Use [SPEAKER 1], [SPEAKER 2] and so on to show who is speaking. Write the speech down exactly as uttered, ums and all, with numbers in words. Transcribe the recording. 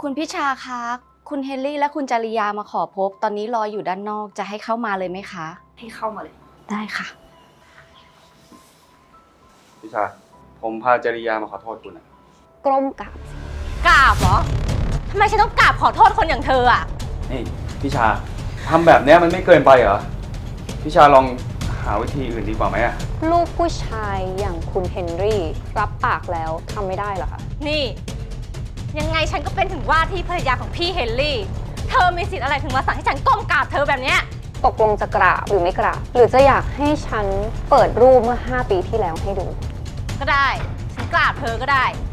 [SPEAKER 1] คุณพิชาคะคุณเฮนรี่และคุณจริยามาขอพบตอนนี้รออยู่ด้านนอกจะให้เข้ามาเลยไหมคะ
[SPEAKER 2] ให้เข้ามาเลย
[SPEAKER 1] ได้ค่ะ
[SPEAKER 3] พิชาผมพาจริยามาขอโทษคุณนะ
[SPEAKER 4] กล้มกราบ
[SPEAKER 2] กราบเหรอทำไมฉันต้องกราบขอโทษคนอย่างเธออ่ะ
[SPEAKER 3] นี่พิชาทำแบบนี้มันไม่เกินไปเหรอพิชาลองหาวิธีอื่นดีกว่าไหมอะ
[SPEAKER 4] ลูกผู้ชายอย่างคุณเฮนรี่รับปากแล้วทำไม่ได้เหรอคะ
[SPEAKER 2] นี่ยังไงฉันก็เป็นถึงว่าที่ภรรยาของพี่เฮนรี่เธอมีสิทธิ์อะไรถึงมาสั่งให้ฉันก้มกราบเธอแบบเนี้ย
[SPEAKER 4] ตกลงจะกราบหรือไม่กราบหรือจะอยากให้ฉันเปิดรูปเมื่อห้าปีที่แล้วให้ดู
[SPEAKER 2] ก็ได้ฉันกราบเธอก็ได้